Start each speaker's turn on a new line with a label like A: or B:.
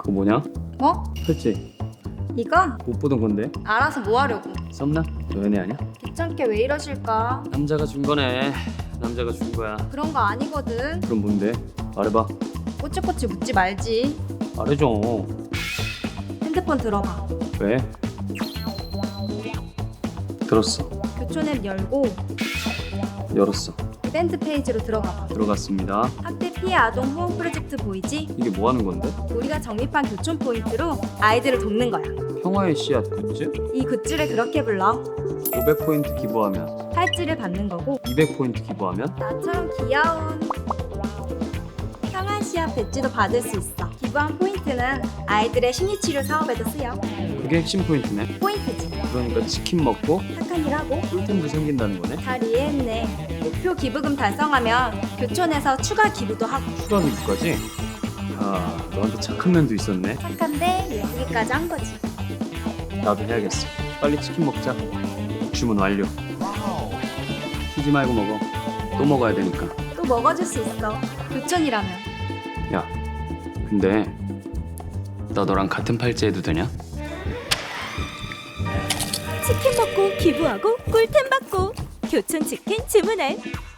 A: 그거 뭐냐?
B: 뭐?
A: 팔찌.
B: 이거?
A: 못 보던 건데.
B: 알아서 뭐 하려고?
A: 썸나? 너 연애 아니야?
B: 귀찮게 왜 이러실까?
A: 남자가 준 거네. 남자가 준 거야.
B: 그런 거 아니거든.
A: 그럼 뭔데? 말해봐.
B: 꼬치꼬치 묻지 말지.
A: 말해줘.
B: 핸드폰 들어봐.
A: 왜? 들었어.
B: 교촌 앱 열고
A: 열었어.
B: 이벤트 페이지로 들어가봐.
A: 들어갔습니다.
B: 학대 피해 아동 후원 프로젝트 보이지?
A: 이게 뭐 하는 건데?
B: 우리가 적립한 교촌 포인트로 아이들을 돕는 거야.
A: 평화의 씨앗 굿즈?
B: 이 굿즈를 그렇게 불러.
A: 500포인트 기부하면
B: 팔찌를 받는 거고
A: 200포인트 기부하면
B: 나처럼 귀여운 평안시합 배지도 받을 수 있어. 기부한 포인트는 아이들의 심리치료 사업에도 쓰여.
A: 그게 핵심 포인트네.
B: 포인트지.
A: 그러니까 치킨 먹고
B: 착한 일 하고.
A: 꿀템도 생긴다는 거네.
B: 잘 이해했네. 목표 기부금 달성하면 교촌에서 추가 기부도 하고.
A: 추가 기부까지? 아, 너한테 착한 면도 있었네.
B: 착한데 예쁘기까지 한 거지.
A: 나도 해야겠어. 빨리 치킨 먹자. 주문 완료. 튀지 말고 먹어. 또 먹어야 되니까.
B: 또 먹어줄 수 있어. 교촌이라면.
A: 야, 근데 나 너랑 같은 팔찌 해도 되냐?
C: 치킨 먹고 기부하고 꿀템 받고 교촌 치킨 주문해.